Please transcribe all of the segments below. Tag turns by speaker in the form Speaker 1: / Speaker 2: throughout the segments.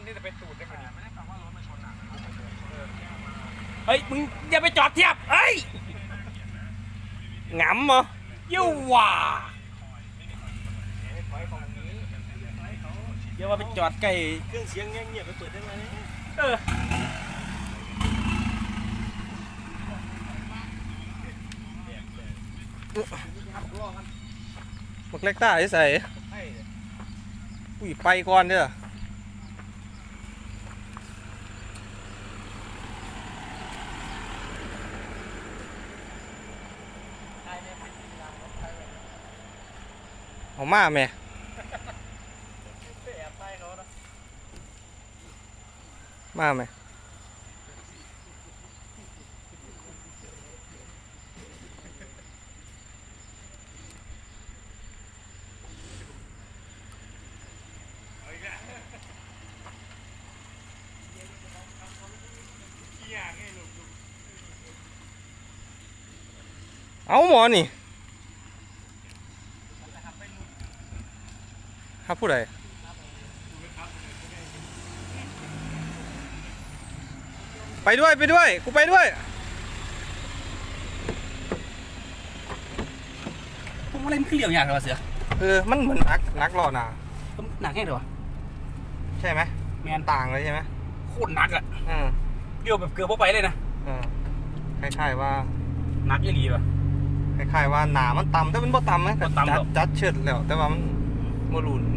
Speaker 1: นี่จะเป็นตูดได้ไหมไม่ได้ฟังว่ารถมาชนอ่ะ
Speaker 2: เฮ้ยมึงอย่าไปจอดเทียบเฮ้ย
Speaker 3: หงำเหรอ
Speaker 2: ยิ่วว่าเดี๋ยวว่าไปจอดใกล้
Speaker 3: เครื่องเสียงเงียบไปเปิดได้ไหมบักเล็กต้าใส่อุ้ยไปก่อนเด้อเอามาแม่มาไหมเอาหมอนี่ครับผู้ใดไปด้วยกูไปด้วย
Speaker 2: พวกอะไรมันขึ้นเหลี่ยมอย่างไรเสือ
Speaker 3: มันเหมือนนักหล่อหนา
Speaker 2: หนักแค่ไหนวะ
Speaker 3: ใช่ไหม
Speaker 2: แมน
Speaker 3: ต่างเลยใช่ไหม
Speaker 2: โคตรหนักอ่ะเลี้ยวแบบเกือบพอไปเลยนะ
Speaker 3: คล้ายๆว่า
Speaker 2: หนักยี่หลีป่ะ
Speaker 3: คล้ายๆว่าหนามันต่ำแต่มันบ่ต่ำนะจัดเฉิดแล้วแต่ว่ามันโมลูน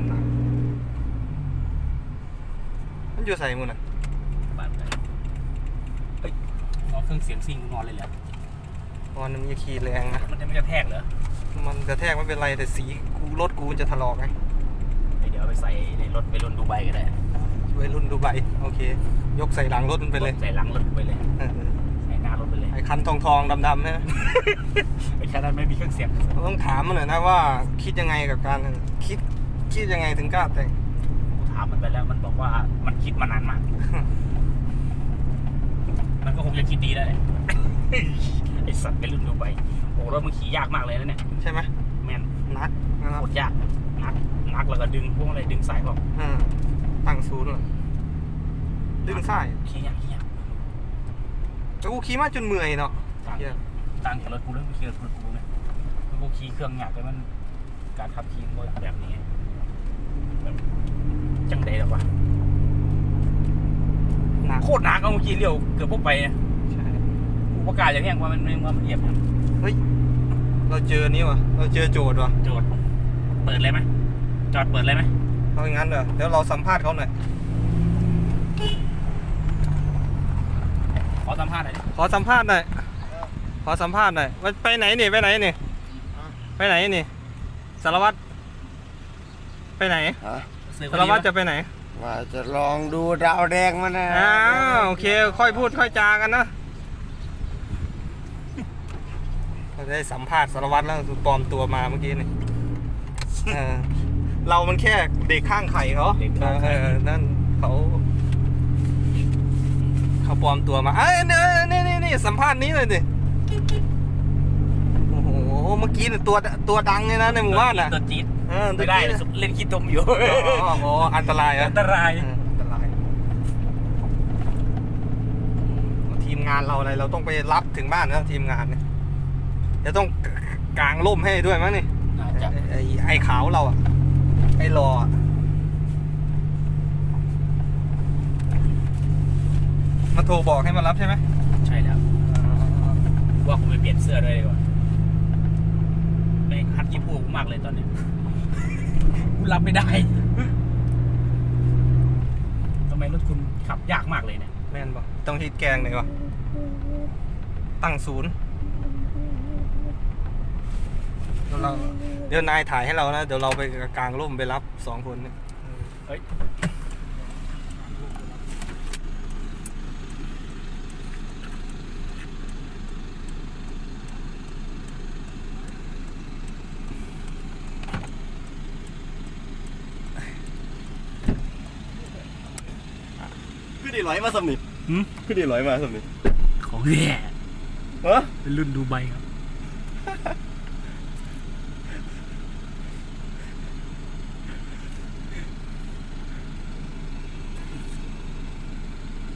Speaker 3: มันอยู่ใส่มือน่ะ
Speaker 2: เฮ้ยเอาเครื่องเสียงซิงนอนเลยเหรอ
Speaker 3: มันมีขี่แรงนะ
Speaker 2: มันจะไม่กระแทกเหรอ
Speaker 3: มันกระแทกไม่เป็นไรแต่สีรถกูจะถลอกไง
Speaker 2: เดี๋ยวไปใส่ในรถไปรุ่นดูไบก็ได้
Speaker 3: ไปรุ่นดูไบโอเคยกใส่หลังรถมันไปเลย
Speaker 2: ใส่หลังรถไปเลยใส่หน้ารถไปเลย
Speaker 3: ไอ้คันทองดำๆนะ
Speaker 2: ไอ้คันนั้นไม่มีเครื่องเสียง
Speaker 3: ต้องถามมันหน่อยนะว่าคิดยังไงกับการคิดยังไงถึงกล้าแต่ง
Speaker 2: ถามมันไปแล้วมันบอกว่ามันคิดมานานมากมันก็คงจะคิดดีแล้วไอ้สัตว์ไปรุ่นดูไบโอ้รถมันขี่ยากมากเลยนะเนี่ย
Speaker 3: ใช่ไหม
Speaker 2: แม่น
Speaker 3: นักนะครับ
Speaker 2: โคตรยากนักแล้วก็ดึงพวกอะไรดึงสายบอก
Speaker 3: ตั้งศูนย์เลยดึงสาย
Speaker 2: ขี่ยาก
Speaker 3: แต่กูขี่มาจนเมื่อยเนาะ
Speaker 2: ต่างจากรถกูแล้วกูขี่รถกูเนี่ยกูขี่เครื่องยากแต่มันการขับขี่แบบนี้จังใดหรอวะโคตรหนักเอาเมื่อกี้เลี้ยวเกือบพวกไป
Speaker 3: ใช่
Speaker 2: กูประกาศอย่างนี้ว่ามันเรียบ
Speaker 3: เฮ้ยเราเจอนี่วะเราเจอโจทย์วะ
Speaker 2: โจทย์เปิดเลยไหมจอดเปิดเลยไหม
Speaker 3: เอาอย่างนั้นเหรอเดี๋ยวเราสัมภาษณ์เขาหน่อย
Speaker 2: ขอสัมภาษณ์หน่อย
Speaker 3: ขอสัมภาษณ์หน่อยไปไหนนี่ไปไหนนี่สารวัตรไปไหนสารวัตรจะไปไหน
Speaker 1: ว่าจะลองดูดาวแดงมันนะ
Speaker 3: โอเคค่อยพูดค่อยจากันนะเราได้สัมภาษณ์สารวัตรแล้วปลอมตัวมาเมื่อกี้นี่เรามันแค่เด็กข้างไข่เขานั่นเขาปลอมตัวมานี่สัมภาษณ์นี้เลยดิโอ้โหเมื่อกี้เนี่ยตัวดังเลยนะในหมู่บ้านน่ะ
Speaker 2: ตัวจี๊ดไม่ได้เล่นขี้ตมอยู่
Speaker 3: อ๋ออันตรายทีมงานเราอะไรเราต้องไปรับถึงบ้านนะทีมงานเนี่ยจะต้องกางร่มให้ด้วยมั้งนี่ไอ้ขาวเราอ่ะไอ้รอมาโทรบอกให้มารับใช่ไหม
Speaker 2: ใช่แล้วว่าผมไปเปลี่ยนเสื้อด้วยดีกว่าไม่ฮัดยี่ปูมากเลยตอนนี้กูรับไม่ได้ทำไมรถคุณขับยากมากเลยเนี่ย
Speaker 3: แม่นบอกต้องฮิตแกงเลยวะตั้งศูนย์เดี๋ยวนายถ่ายให้เรานะเดี๋ยวเราไปกางร่มไปรับ2 คนเนี่ย
Speaker 2: เฮ้ย
Speaker 1: ขึ้นดีร้อยมาสมิธขึ้นดีร้อยมาสมิธ
Speaker 2: ของแย่เป็นรุ่นดูไบครับ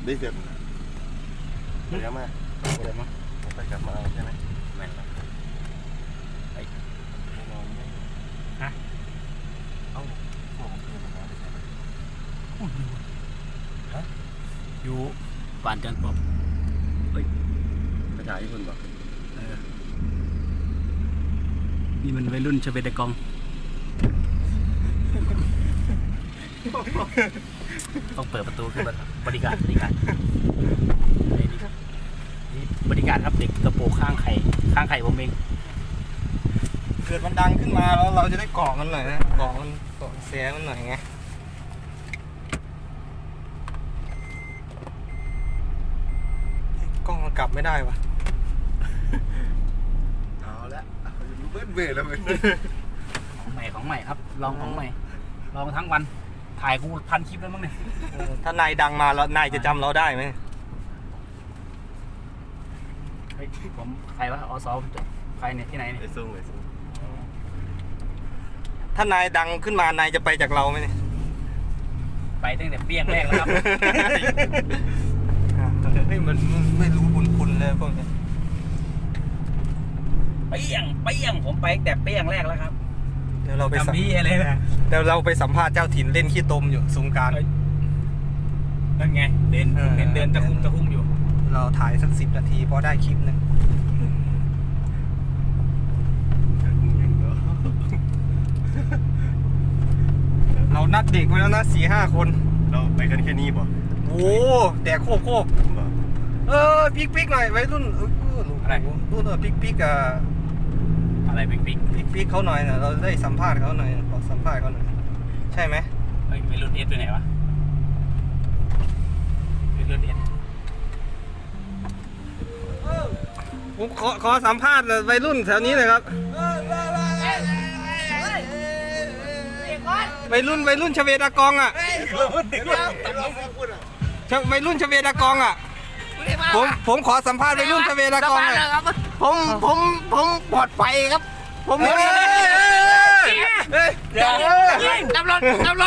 Speaker 1: ได้เสร็จเดี๋ยวมา
Speaker 2: อะไรมั้ง
Speaker 1: ไปกลับมาใช่ไหม
Speaker 2: แม่นแล้ว
Speaker 1: นอนไม่
Speaker 2: ฮะ
Speaker 1: เอ้าพวกผมเพื่อนมาได้ใช่ไหม
Speaker 2: อยู่บ้านจันทร์ปอบ
Speaker 1: ไปถ่ายให้คนบอก
Speaker 2: นี่มันวัยรุ่นชเวดกองต้องเปิดประตูขึ้นมาบริการนี่บริการครับเด็กกระโปรงข้างไข่ผมเอง
Speaker 3: เกิดมันดังขึ้นมาแล้วเราจะได้เกาะมันหน่อยนะเกาะมันเกาะเสียมันหน่อยไงกล้องมันกลับไม่ได้วะ
Speaker 1: เอาละเบื่อแล้วมึง
Speaker 2: ของใหม่ครับลองของใหม่ลองทั้งวันถ่ายกูพันคลิปแล้วมั้งเนี่ย
Speaker 3: ถ้านายดังมาแล้วนายจะจำเราได้ไหม
Speaker 2: เฮ้ยผมใครวะอสใครเนี่ยที่ไหนเนี่ย
Speaker 1: ไอ้ซุ้งไอ้ซุ้ง
Speaker 3: ถ้านายดังขึ้นมานายจะไปจากเราไหมเนี่ย
Speaker 2: ไปตั้งแต่เปี้ยงแรกแล้วครับ
Speaker 3: เฮ้ยมันไม่รู้บุญคุณเลยพวกนี้
Speaker 2: เปี้ยงผมไปตั้งแต่เปี้ยงแรกแล้วครับ
Speaker 3: เดี๋ยวเราไปสัม
Speaker 2: ทำพี่อะไรนะ
Speaker 3: เดี๋ยวเราไปสัมภาษณ์เจ้าถิ่นเล่นขี้ตมอยู่สงกราร
Speaker 2: นั่นไงเดินตะคุ่มอยู่
Speaker 3: เราถ่ายสัก10 นาทีพอได้คลิปหนึ่งเรานัดเด็กไว้แล้วนะ4-5 คน
Speaker 1: เราไปกันแค่นี้บ่
Speaker 3: โอ้แดกโคบ
Speaker 1: บ่
Speaker 3: ปิ๊กหน่อยไว้รุ่นรุ่นปิ๊ก
Speaker 2: อะไรปิ๊ก
Speaker 3: เขาหน่อยนะเราได้สัมภาษณ์เขาหน่อยขอสัมภาษณ์เขาหน่อยใช่ไหม
Speaker 2: เฮ้ยไม่รุ่นเอสไปไหนวะไม่รุ่นเอส
Speaker 3: ผมขอสัมภาษณ์วัยรุ่นแถวนี้หน่อยครับวัยรุ่นชเวดากองอ่ะวัยรุ่นชเวดากองอ่ะผมขอสัมภาษณ์วัยรุ่นชเวดากองหน่อย
Speaker 1: ผมปลอดภัยครับ
Speaker 3: ผมไม่ได้
Speaker 2: ตำรวจ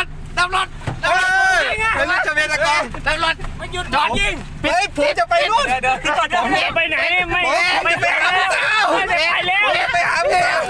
Speaker 3: วัยรุ่นชเวดากอง
Speaker 2: มันหยุดจอดยิง
Speaker 3: เฮ้ยผมจะไปรุ่น
Speaker 2: เดี๋ยวไปไหนไม่ไปหาผู้สาว
Speaker 3: ไปหาผู้สาว